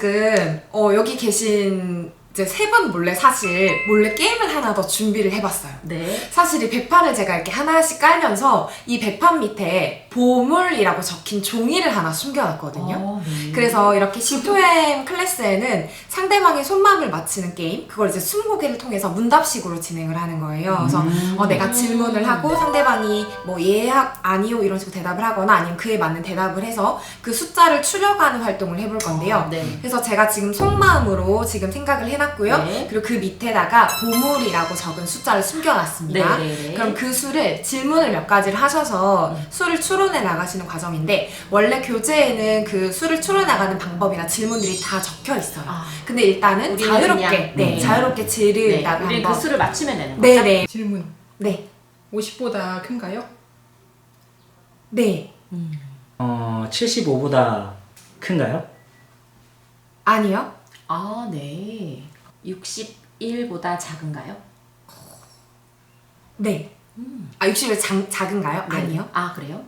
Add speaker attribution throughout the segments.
Speaker 1: 지금 여기 계신 이제 세 분 몰래 몰래 게임을 하나 더 준비를 해봤어요.
Speaker 2: 네.
Speaker 1: 사실 이 백판을 제가 이렇게 하나씩 깔면서 이 백판 밑에 보물이라고 적힌 종이를 하나 숨겨놨거든요.
Speaker 2: 네.
Speaker 1: 그래서 이렇게 C2M 클래스에는 상대방의 손마음을 맞히는 게임, 그걸 이제 20개를 통해서 문답식으로 진행을 하는 거예요. 그래서 내가 질문을 하고 상대방이 뭐 예, 아니요 이런 식으로 대답을 하거나 아니면 그에 맞는 대답을 해서 그 숫자를 추려가는 활동을 해볼 건데요.
Speaker 2: 네.
Speaker 1: 그래서 제가 지금 속마음으로 지금 생각을 해놨고요.
Speaker 2: 네.
Speaker 1: 그리고 그 밑에다가 보물이라고 적은 숫자를 숨겨놨습니다.
Speaker 2: 네.
Speaker 1: 그럼 그 수를 질문을 몇 가지를 하셔서 수를 추론해 나가시는 과정인데, 원래 교재에는 그 수를 추론해 나가는 방법이나 질문들이 다 적혀 있어요. 근데 일단은
Speaker 2: 우리는
Speaker 1: 자유롭게
Speaker 2: 그냥,
Speaker 1: 자유롭게 질을
Speaker 2: 네.
Speaker 1: 일단
Speaker 2: 우리는 그
Speaker 1: 한번.
Speaker 2: 수를 맞추면 되는 거죠?
Speaker 1: 네네.
Speaker 3: 질문.
Speaker 1: 네.
Speaker 3: 50보다 큰가요?
Speaker 1: 네.
Speaker 4: 75보다 큰가요?
Speaker 1: 아니요.
Speaker 2: 아, 네. 61보다 작은가요?
Speaker 1: 네. 60이 작은가요?
Speaker 2: 네.
Speaker 1: 아니요.
Speaker 2: 아, 그래요?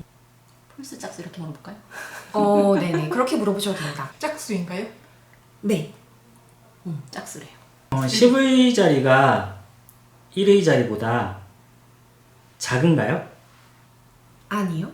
Speaker 2: 폴스 짝수 이렇게 물어볼까요?
Speaker 1: 네네. 그렇게 물어보셔도 됩니다.
Speaker 3: 짝수인가요?
Speaker 1: 네.
Speaker 2: 짝수래요.
Speaker 4: 10의 자리가 1의 자리보다 작은가요?
Speaker 1: 아니요.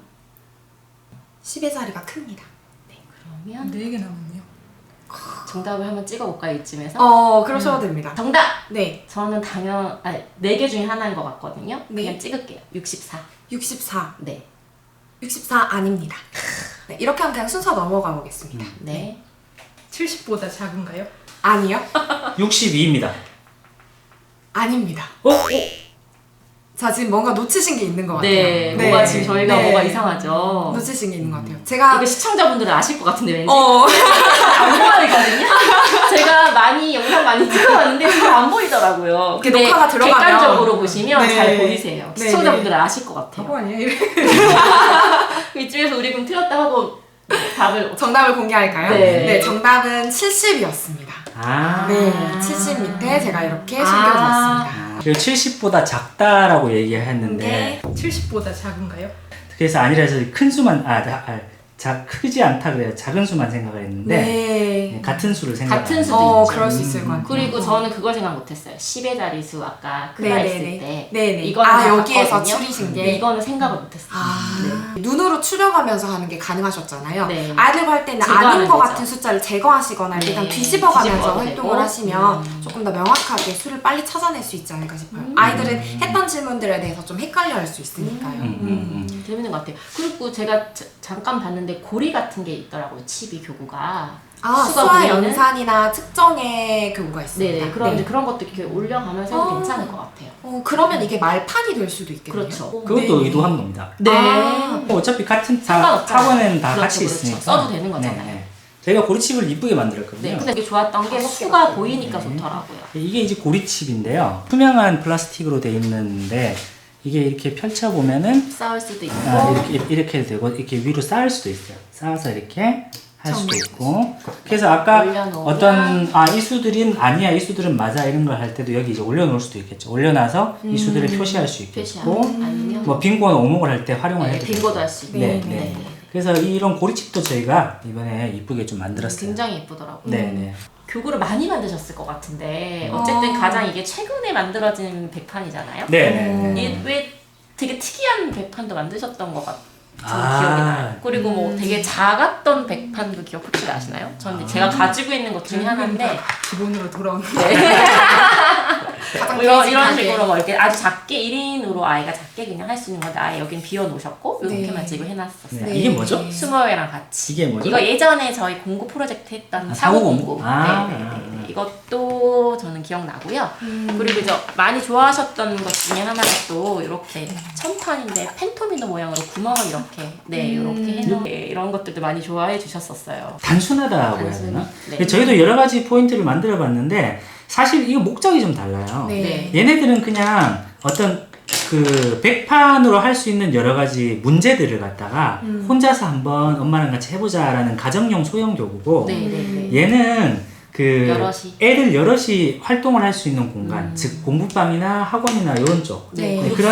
Speaker 1: 10의 자리가 큽니다.
Speaker 2: 그러면
Speaker 3: 4개 남았네요.
Speaker 2: 정답을 한번 찍어볼까요, 이쯤에서?
Speaker 1: 그러셔도 됩니다.
Speaker 2: 정답!
Speaker 1: 네.
Speaker 2: 저는 4개 중에 하나인 것 같거든요.
Speaker 1: 네.
Speaker 2: 그냥 찍을게요. 64.
Speaker 1: 64.
Speaker 2: 네.
Speaker 1: 64 아닙니다. 네, 이렇게 하면 그냥 순서 넘어가 보겠습니다.
Speaker 2: 네.
Speaker 3: 70보다 작은가요?
Speaker 1: 아니요.
Speaker 4: 62입니다.
Speaker 1: 아닙니다.
Speaker 4: 어?
Speaker 1: 자, 지금 뭔가 놓치신 게 있는 것 같아요.
Speaker 2: 네. 뭐가 지금 저희가 뭐가 이상하죠?
Speaker 1: 놓치신 게 있는 것 같아요. 제가
Speaker 2: 이거 시청자분들은 아실 것 같은데 왠지
Speaker 1: 어,
Speaker 2: 안 보이거든요. 제가 영상 많이 찍어봤는데 잘 안 보이더라고요.
Speaker 1: 이렇게
Speaker 2: 근데
Speaker 1: 녹화가 들어가면
Speaker 2: 객관적으로 보시면
Speaker 1: 네.
Speaker 2: 잘 보이세요.
Speaker 1: 네,
Speaker 2: 시청자분들은 아실 것 같아요.
Speaker 3: 바보 아니에요?
Speaker 2: 이쯤에서 우리 그럼 틀렸다 하고 답을
Speaker 1: 정답을 공개할까요?
Speaker 2: 네.
Speaker 1: 정답은 70이었습니다. 네, 70 밑에 제가 이렇게 숨겨두었습니다.
Speaker 4: 그리고 70보다 작다라고 얘기했는데
Speaker 3: 70보다 작은가요?
Speaker 4: 그래서 아니라 해서 큰 수만 크지 않다 그래요. 작은 수만 생각을 했는데
Speaker 1: 네.
Speaker 4: 같은 수를 생각.
Speaker 2: 같은 수도 있죠.
Speaker 1: 그럴 수 있을 것 같아요.
Speaker 2: 그리고 저는 그걸 생각 못했어요. 10의 자리수 아까 크다 했을 때
Speaker 1: 네네.
Speaker 2: 이거는 다
Speaker 1: 여기에서
Speaker 2: 봤거든요.
Speaker 1: 추리신 게.
Speaker 2: 근데 이거는 생각을 못했어요.
Speaker 1: 눈으로 추려가면서 하는 게 가능하셨잖아요.
Speaker 2: 네.
Speaker 1: 아이들 할 때는
Speaker 2: 제거하면
Speaker 1: 아닌 것
Speaker 2: 되죠.
Speaker 1: 같은 숫자를 제거하시거나
Speaker 2: 네.
Speaker 1: 일단 뒤집어가면서
Speaker 2: 뒤집어도
Speaker 1: 활동을
Speaker 2: 되고.
Speaker 1: 하시면 조금 더 명확하게 수를 빨리 찾아낼 수 있지 않을까 싶어요. 아이들은 했던 질문들에 대해서 좀 헷갈려 할 수 있으니까요.
Speaker 2: 재밌는 것 같아요. 그리고 제가 잠깐 봤는데 고리 같은 게 있더라고요. 치비 교구가.
Speaker 1: 수화
Speaker 2: 보이는?
Speaker 1: 연산이나 측정의 교구가 있습니다.
Speaker 2: 네네. 그럼 이제 그런 것도 이렇게 올려가면서 해도 괜찮을 것 같아요.
Speaker 1: 그러면 이게 말판이 될 수도 있겠네요.
Speaker 2: 그렇죠.
Speaker 4: 그것도 의도한 겁니다.
Speaker 2: 네.
Speaker 4: 어차피 같은
Speaker 2: 상관없잖아요.
Speaker 4: 학원에는 다
Speaker 2: 그렇죠,
Speaker 4: 같이
Speaker 2: 그렇죠.
Speaker 4: 있으니까
Speaker 2: 써도 되는 거잖아요.
Speaker 4: 네. 저희가 고리칩을 이쁘게 만들었거든요.
Speaker 2: 네. 근데 이게 좋았던 게 수가 보이니까 좋더라고요.
Speaker 4: 이게 이제 고리칩인데요. 투명한 플라스틱으로 되어 있는데 이게 이렇게 펼쳐 보면은
Speaker 2: 쌓을 수도 있고.
Speaker 4: 이렇게 되고 이렇게 위로 쌓을 수도 있어요. 쌓아서 이렇게 할 수도
Speaker 1: 정말.
Speaker 4: 있고. 그래서 아까
Speaker 2: 올려놓으면.
Speaker 4: 어떤 이 수들은 아니야, 이 수들은 맞아 이런 걸 할 때도 여기 이제 올려놓을 수도 있겠죠. 올려놔서 이 수들을 표시할 수 있겠고,
Speaker 2: 아니면
Speaker 4: 뭐 빈곤 오목을 할 때 활용을 해도
Speaker 2: 빈고도
Speaker 4: 되고.
Speaker 2: 할 수 있고.
Speaker 4: 네. 그래서 이런 고리칩도 저희가 이번에 이쁘게 좀 만들었어요.
Speaker 2: 굉장히 예쁘더라고요.
Speaker 4: 네.
Speaker 2: 교구를 많이 만드셨을 것 같은데 어쨌든 가장 이게 최근에 만들어진 백판이잖아요.
Speaker 4: 네.
Speaker 2: 왜 되게 특이한 백판도 만드셨던 것 같은
Speaker 4: 아.
Speaker 2: 기억이 나요. 그리고 뭐 되게 작았던 백판도 기억 혹시 나시나요? 저는 제가 가지고 있는 것 중에 하나인데
Speaker 3: 기본으로 돌아오는
Speaker 1: 가장
Speaker 2: 이런
Speaker 1: 베이직하게.
Speaker 2: 식으로 뭐 이렇게 아주 작게 1인으로 아이가 작게 그냥 할 수 있는 건데 아예 여긴 비워 놓으셨고 이렇게만
Speaker 1: 네.
Speaker 2: 지금 해놨었어요.
Speaker 4: 네. 이게 뭐죠?
Speaker 2: 스모어웨랑 같이.
Speaker 4: 이게 뭐죠?
Speaker 2: 이거 예전에 저희 공구 프로젝트 했던
Speaker 4: 사고
Speaker 2: 사고공구.
Speaker 4: 공구? 아.
Speaker 2: 네네네. 이것도 저는 기억나고요. 그리고 이제 많이 좋아하셨던 것 중에 하나가 또 이렇게 천판인데 펜토미노 모양으로 구멍을 이렇게 이렇게 해놓은 이런 것들도 많이 좋아해 주셨었어요.
Speaker 4: 단순하다고 해야
Speaker 2: 단순히?
Speaker 4: 되나?
Speaker 2: 네.
Speaker 4: 저희도 여러 가지 포인트를 만들어 봤는데 사실 이거 목적이 좀 달라요.
Speaker 1: 네.
Speaker 4: 얘네들은 그냥 어떤 그 백판으로 할 수 있는 여러 가지 문제들을 갖다가 혼자서 한번 엄마랑 같이 해보자라는 가정용 소형 교구고
Speaker 2: 네네네.
Speaker 4: 얘는 그
Speaker 2: 여럿이.
Speaker 4: 애들 여럿이 활동을 할 수 있는 공간, 즉 공부방이나 학원이나 이런 쪽
Speaker 2: 네,
Speaker 4: 네,
Speaker 2: 그렇죠.
Speaker 4: 그런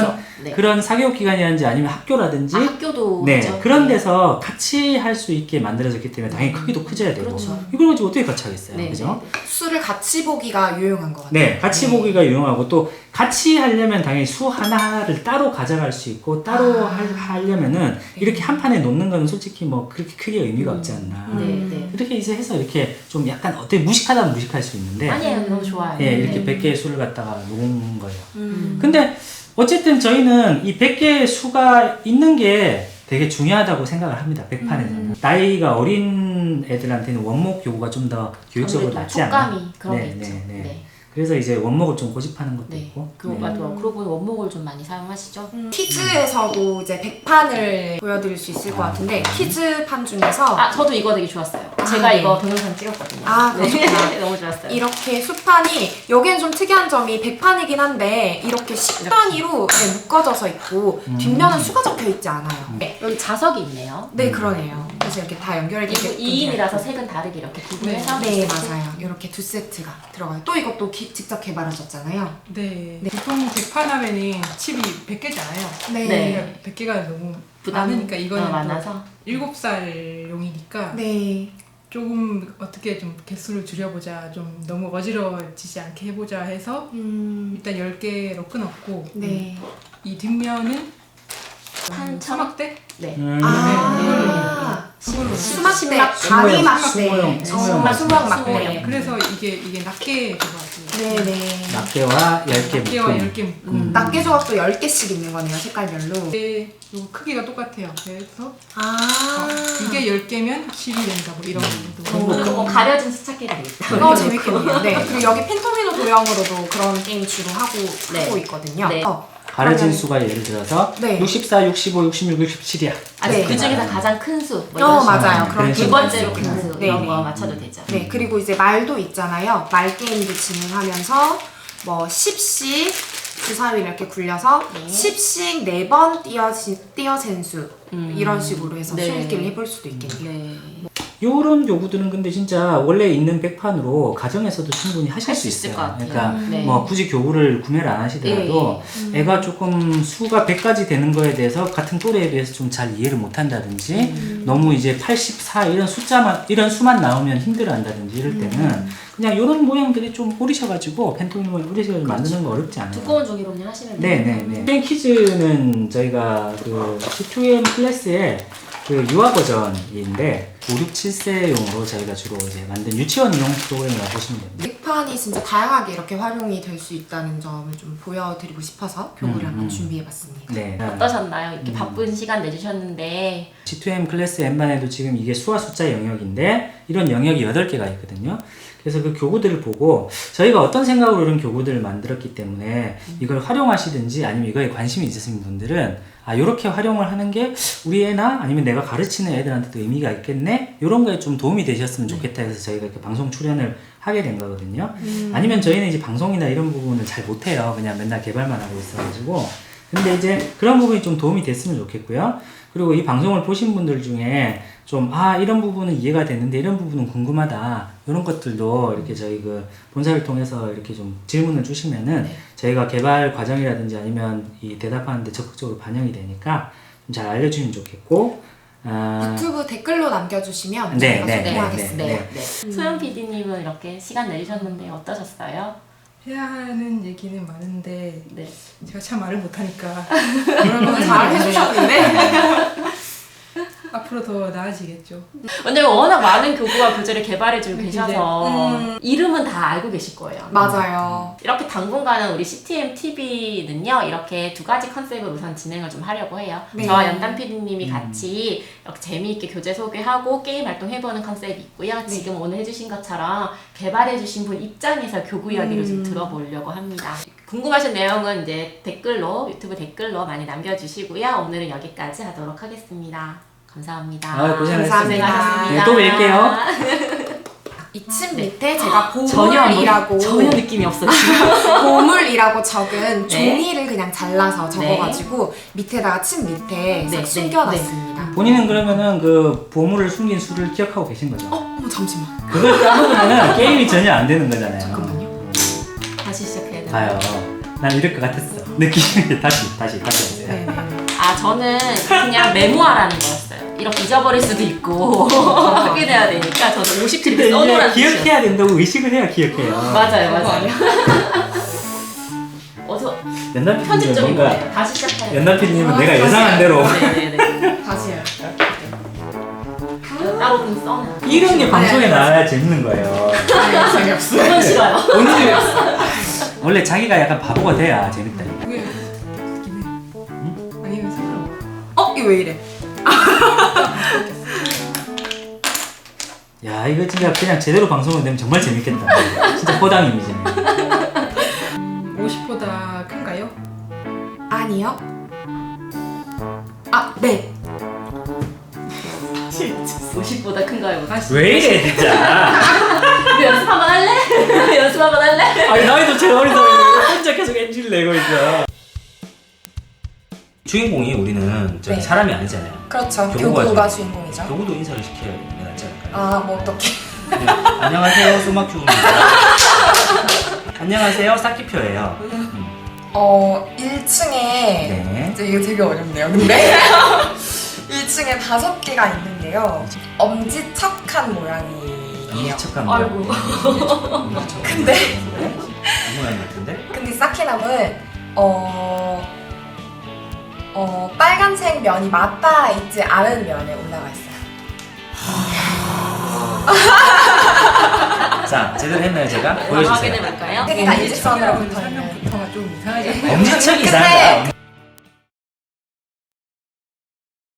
Speaker 2: 네.
Speaker 4: 그런 사교육 기관이라든지 아니면 학교라든지
Speaker 2: 학교도
Speaker 4: 네,
Speaker 2: 그죠?
Speaker 4: 그런 데서 같이 할 수 있게 만들어졌기 때문에 당연히 크기도 커져야 되고
Speaker 2: 그렇죠.
Speaker 4: 이걸 가지고 어떻게 같이 하겠어요,
Speaker 2: 네,
Speaker 4: 그죠?
Speaker 1: 수를 같이 보기가 유용한 것 같아요.
Speaker 4: 네, 같이 보기가 유용하고 또 같이 하려면 당연히 수 하나를 따로 가져갈 수 있고 따로 하려면은 이렇게 한 판에 놓는 거는 솔직히 뭐 그렇게 크게 의미가 없지 않나.
Speaker 2: 네, 네.
Speaker 4: 이렇게 이제 해서 이렇게 좀 약간 어떻게 무식하다면 무식할 수 있는데
Speaker 2: 아니에요, 너무 좋아요.
Speaker 4: 예, 이렇게
Speaker 2: 네.
Speaker 4: 100개의 수를 갖다가 놓은 거예요. 근데 어쨌든 저희는 이 100개의 수가 있는 게 되게 중요하다고 생각을 합니다. 100판에서는. 나이가 어린 애들한테는 원목 요구가 좀 더 교육적으로
Speaker 2: 아무래도
Speaker 4: 낫지 않나.
Speaker 2: 촉감이 그런 게 있죠. 네.
Speaker 4: 그래서 이제 원목을 좀 고집하는 것도
Speaker 2: 네.
Speaker 4: 있고.
Speaker 2: 그리고 맞아. 그러고 보니 원목을 좀 많이 사용하시죠?
Speaker 1: 퀴즈에서도 이제 100판을 보여드릴 수 있을 것 같은데 퀴즈판 중에서
Speaker 2: 아, 저도 이거 되게 좋았어요. 제가
Speaker 1: 네.
Speaker 2: 이거 동영상 찍었거든요.
Speaker 1: 아,
Speaker 2: 네.
Speaker 1: 그렇구나.
Speaker 2: 너무 좋았어요.
Speaker 1: 이렇게 수판이 여기엔 좀 특이한 점이 100판이긴 한데 이렇게 10단위로 묶어져서 있고 뒷면은 수가 적혀 있지 않아요. 네,
Speaker 2: 여기 자석이 있네요.
Speaker 1: 네 그러네요. 그래서 이렇게 다 연결이
Speaker 2: 그리고
Speaker 1: 되게
Speaker 2: 2인이라서 색은 다르게 이렇게 구분해서
Speaker 1: 네 맞아요. 이렇게 두 세트가 들어가요. 또 이것도 직접 개발하셨잖아요.
Speaker 3: 네. 보통 100판 하면은 칩이 100개잖아요.
Speaker 2: 네.
Speaker 3: 100개가 너무
Speaker 2: 부담
Speaker 3: 많으니까 이거는
Speaker 2: 많아서
Speaker 3: 7살용이니까
Speaker 1: 네.
Speaker 3: 조금 어떻게 좀 개수를 줄여보자, 좀 너무 어지러워지지 않게 해보자 해서 일단 10개로 끊었고
Speaker 1: 네.
Speaker 3: 이 뒷면은
Speaker 2: 한
Speaker 3: 사막대?
Speaker 2: 네.
Speaker 1: 아
Speaker 3: 그걸로
Speaker 1: 수막대,
Speaker 2: 수막,
Speaker 1: 가위 막대,
Speaker 4: 수모형, 수모형
Speaker 1: 수막
Speaker 2: 막대.
Speaker 1: 막대.
Speaker 3: 그래서 이게 낱개 조각이에요.
Speaker 1: 네네.
Speaker 4: 낱개와 10개
Speaker 3: 낱개와
Speaker 4: 묶음.
Speaker 3: 10개 묶음.
Speaker 1: 낱개 조각도 10개씩 있는 거네요, 색깔별로.
Speaker 3: 이게 요 크기가 똑같아요. 그래서
Speaker 1: 아
Speaker 3: 이게 10개면 10이 된다 뭐 이런 것도.
Speaker 2: 뭐 가려진 수첩기도 있다.
Speaker 1: 재밌겠네요. 네. 그리고 여기 펜토미노 도형으로도 그런 게임 주로 하고 있거든요.
Speaker 2: 네.
Speaker 4: 가려진
Speaker 1: 그러면-
Speaker 4: 수가 예를 들어서
Speaker 1: 네.
Speaker 4: 64, 65, 66, 67이야.
Speaker 1: 네.
Speaker 2: 그 중에서 가장 큰 수. 뭐 이런 식으로.
Speaker 1: 맞아요.
Speaker 4: 그런
Speaker 1: 그런
Speaker 2: 두
Speaker 1: 게임
Speaker 2: 번째로
Speaker 1: 있어요.
Speaker 2: 큰 수.
Speaker 1: 네,
Speaker 2: 이런
Speaker 1: 네.
Speaker 2: 거 맞춰도 되죠.
Speaker 1: 네, 그리고 이제 말도 있잖아요. 말 게임도 진행하면서 뭐 10씩 주사위를 이렇게 굴려서
Speaker 2: 네.
Speaker 1: 10씩 4번 띄어진 수 이런 식으로 해서
Speaker 2: 네.
Speaker 1: 수읽기를 해볼 수도 있겠네요.
Speaker 2: 네.
Speaker 4: 요런 요구들은 근데 진짜 원래 있는 백판으로 가정에서도 충분히 하실
Speaker 2: 할
Speaker 4: 수
Speaker 2: 수 있을
Speaker 4: 있어요.
Speaker 2: 것 같아요.
Speaker 4: 그러니까
Speaker 2: 네.
Speaker 4: 뭐 굳이 교구를 구매를 안 하시더라도 애가 조금 수가 100까지 되는 거에 대해서 같은 또래에 비해서 좀 잘 이해를 못 한다든지 너무 이제 84 이런 수만 나오면 힘들어 한다든지 이럴 때는 그냥 요런 모양들이 좀 꼬리셔가지고 펜토미노를 꼬리셔가지고 만드는 거 어렵지 않아요.
Speaker 2: 두꺼운 종이로 그냥 하시면 돼요.
Speaker 4: 네네네. 게임 퀴즈는 저희가 그 C2M 클래스의 그 유아 버전인데 5, 6, 7세용으로 저희가 주로 이제 만든 유치원용 프로그램이라고 보시면 됩니다.
Speaker 1: 빅판이 진짜 다양하게 이렇게 활용이 될 수 있다는 점을 좀 보여드리고 싶어서 교구를 한번 준비해봤습니다.
Speaker 4: 네.
Speaker 2: 어떠셨나요? 이렇게 바쁜 시간 내주셨는데
Speaker 4: C2M 클래스 N반에도 지금 이게 수와 숫자 영역인데 이런 영역이 8개가 있거든요. 그래서 그 교구들을 보고 저희가 어떤 생각으로 이런 교구들을 만들었기 때문에 이걸 활용하시든지 아니면 이거에 관심이 있으신 분들은 아 요렇게 활용을 하는 게 우리 애나 아니면 내가 가르치는 애들한테도 의미가 있겠네? 이런 거에 좀 도움이 되셨으면 좋겠다 해서 저희가 이렇게 방송 출연을 하게 된 거거든요. 아니면 저희는 이제 방송이나 이런 부분을 잘 못해요. 그냥 맨날 개발만 하고 있어가지고. 근데 이제 그런 부분이 좀 도움이 됐으면 좋겠고요. 그리고 이 방송을 보신 분들 중에 좀, 아, 이런 부분은 이해가 됐는데 이런 부분은 궁금하다. 이런 것들도 이렇게 저희 그 본사를 통해서 이렇게 좀 질문을 주시면은 저희가 개발 과정이라든지 아니면 이 대답하는데 적극적으로 반영이 되니까 좀 잘 알려주시면 좋겠고,
Speaker 1: 유튜브 댓글로 남겨주시면
Speaker 4: 네,
Speaker 1: 저희가
Speaker 4: 네,
Speaker 1: 소개하겠습니다.
Speaker 2: 네. 소연 PD님은 이렇게 시간 내주셨는데 어떠셨어요?
Speaker 3: 해야 하는 얘기는 많은데
Speaker 2: 네.
Speaker 3: 제가 참 말을 못하니까
Speaker 1: 오늘 잘 해주셨는데
Speaker 3: 앞으로 더 나아지겠죠.
Speaker 2: 왜냐면 워낙 많은 교구와 교재를 개발해주고
Speaker 3: 네,
Speaker 2: 계셔서 이름은 다 알고 계실 거예요.
Speaker 1: 맞아요.
Speaker 2: 이렇게 당분간은 우리 CTM TV는요 이렇게 두 가지 컨셉으로 우선 진행을 좀 하려고 해요.
Speaker 1: 네.
Speaker 2: 저와 연단 PD님이 같이 이렇게 재미있게 교재 소개하고 게임 활동 해보는 컨셉이 있고요. 지금 오늘 해주신 것처럼 개발해주신 분 입장에서 교구 이야기를 좀 들어보려고 합니다. 궁금하신 내용은 이제 댓글로 유튜브 댓글로 많이 남겨주시고요. 오늘은 여기까지 하도록 하겠습니다. 감사합니다.
Speaker 4: 아, 고생하셨습니다.
Speaker 1: 감사합니다.
Speaker 4: 네, 또 뵐게요.
Speaker 1: 이 침 밑에 제가
Speaker 2: 전혀
Speaker 1: 보물이라고
Speaker 2: 느낌이 없어요. 지금.
Speaker 1: 보물이라고 적은
Speaker 2: 네.
Speaker 1: 종이를 그냥 잘라서 적어가지고 밑에다가 침 밑에 싹
Speaker 2: 네,
Speaker 1: 숨겨놨습니다.
Speaker 4: 본인은 그러면은 그 보물을 숨긴 수를 기억하고 계신 거죠?
Speaker 1: 어머 잠시만.
Speaker 4: 그걸 까먹으면은 게임이 전혀 안 되는 거잖아요.
Speaker 1: 잠깐만요.
Speaker 2: 다시 시작해야 돼요.
Speaker 4: 봐요. 난 이럴 것 같았어. 느낌이 다시 하세요.
Speaker 1: 네.
Speaker 2: 아 저는 그냥 메모하라는 거였어요. 이렇게 잊어버릴 수도 있고 확인해야 되니까 저는 50트
Speaker 4: 근데
Speaker 2: 이렇게 써놓으라는
Speaker 4: 이게
Speaker 2: 뜻이었어요.
Speaker 4: 기억해야 된다고 의식을 해야 기억해요.
Speaker 2: 맞아요. 어서
Speaker 4: 연남
Speaker 2: 편집적인
Speaker 4: 뭔가
Speaker 2: 거예요. 다시 시작해요.
Speaker 4: 연남 PD님은 내가 예상한 대로
Speaker 2: 네네네.
Speaker 1: 다시 해요.
Speaker 2: 따로 좀 써놔.
Speaker 4: 이런 게 방송에 나와야 재밌는 거예요.
Speaker 1: 재미없어요.
Speaker 2: 그건 싫어요.
Speaker 4: 오늘 원래 자기가 약간 바보가 돼야 재밌다니까.
Speaker 3: 그게 웃기네. 아니면 상관없어.
Speaker 1: 이거 왜 이래?
Speaker 4: 야 이거 진짜 그냥 제대로 방송을 되면 정말 재밌겠다. 진짜 허당 이미지네.
Speaker 3: 50보다 큰가요?
Speaker 1: 아니요. 네.
Speaker 2: 50보다 큰가요?
Speaker 3: 다시.
Speaker 4: 왜 이래 진짜.
Speaker 2: 우리 연습 한번 할래? 연습 한번 할래?
Speaker 4: 아니 나이도 제일 어리다 혼자 계속 NG를 내고 있어. 주인공이 우리는 저기
Speaker 1: 네.
Speaker 4: 사람이 아니잖아요.
Speaker 1: 그렇죠.
Speaker 4: 교구가
Speaker 1: 교구가
Speaker 4: 죠.
Speaker 1: 주인공이죠.
Speaker 4: 교구도 인사를 시켜야 낫지 않을까요?
Speaker 1: 뭐 어떻게?
Speaker 4: 네. 안녕하세요 수막주입니다. 안녕하세요 싹기표예요.
Speaker 1: 1층에
Speaker 4: 네.
Speaker 1: 이제 이거 되게 어렵네요. 근데 1층에 5개가 있는데요. 엄지척한 모양이에요.
Speaker 4: 엄지척한
Speaker 2: 아이고.
Speaker 4: 모양.
Speaker 1: 근데
Speaker 4: 이 모양 같은데?
Speaker 1: 근데 사키남은 빨간색 면이 맞닿아 있지 않은 면에 올라가 있어요.
Speaker 4: 자 제대로 했나요 제가?
Speaker 2: 한번
Speaker 4: 보여주세요.
Speaker 2: 확인해볼까요?
Speaker 1: 되게 다 일직선으로 붙어 있는.
Speaker 3: 설명부터가 좀 이상하지 않나요?
Speaker 4: 엄지척이
Speaker 1: 근데
Speaker 4: 이상하다.